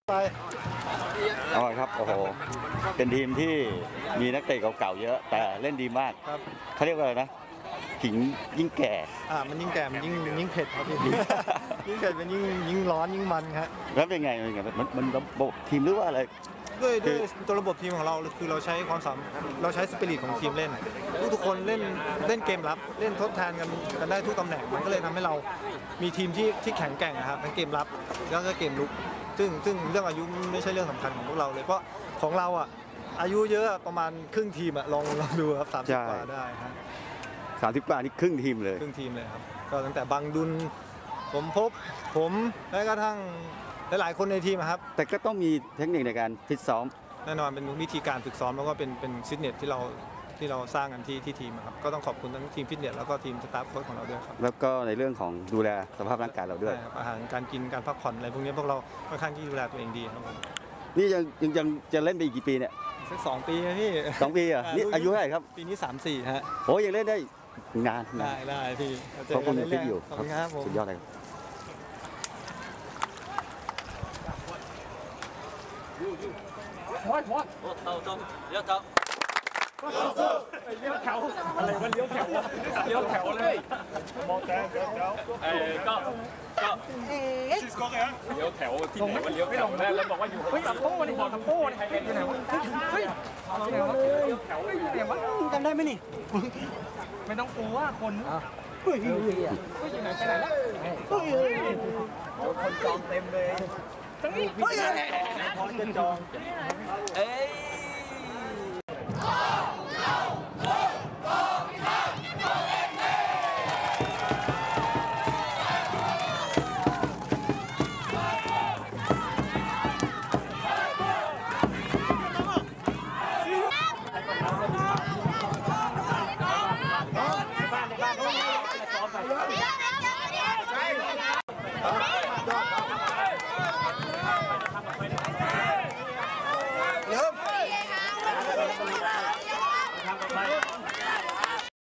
ไปอ๋อครับโอ้โหเป็นทีมที่มีนักเตะเก่าๆเยอะแต่เล่นดีมากครับเขาเรียกว่าอะไรนะขิงยิ่งแก่มันยิ่งแก่มันยิ่งเผ็ดครับพี่ยิ่งเผ็ดมันยิ่งร้อนยิ่งมันครับแล้วเป็นไงมันระบบทีมหรือว่าอะไรด้วยตัวระบบทีมของเราคือเราใช้เราใช้สปิริตของทีมเล่นทุกคนเล่นเกมรับเล่นทดแทนกันได้ทุกตำแหน่งมันก็เลยทำให้เรามีทีมที่แข็งแกร่งนะครับทั้งเกมรับแล้วก็เกมลุกซึ่งเรื่องอายุไม่ใช่เรื่องสำคัญของพวกเราเลยเพราะของเราอายุเยอะประมาณครึ่งทีมลองดูครับ30 กว่าได้ครับ 30 กว่านี่ครึ่งทีมเลยครึ่งทีมเลยครับก็ตั้งแต่บังดุลผมและกระทั่งหลายๆคนในทีมครับแต่ก็ต้องมีเทคนิคในการฟิตซ้อมแน่นอนเป็นวิธีการฝึกซ้อมแล้วก็เป็นฟิตเนสที่เราสร้างกันที่ทีมครับก็ต้องขอบคุณทั้งทีมฟิตเนสแล้วก็ทีมสตาฟโค้ชของเราด้วยครับแล้วก็ในเรื่องของดูแลสภาพร่างกายเราด้วยอาหารการกินการพักผ่อนอะไรพวกนี้พวกเราค่อนข้างที่ดูแลตัวเองดีครับนี่ยังจะเล่นไปอีกกี่ปีเนี่ยสัก2 ปีนะพี่ 2 ปีอ่ะนี่อายุเท่าไหร่ครับปีนี้34ฮะโอ้ยังเล่นได้นานได้พี่ขอบคุณที่อยู่ครับสุดยอดเลยเลี้ยวแถวอะไรวะเลี้ยวแถวเลยมองแต่เลี้ยวแถวก็เลี้ยวแถวที่ไหนวะเลี้ยวแถวแล้วบอกว่าอยู่ตะโพนี่บอกตะโพนี่ใครอยู่ไหนวะเฮ้ยเลี้ยวแถวไหนวะจำได้ไหมนี่ไม่ต้องกลัวคนเฮ้ยอยู่ไหนไปไหนแล้วคนจองเต็มเลยทั้งนี้เฮ้ยพอจะจอง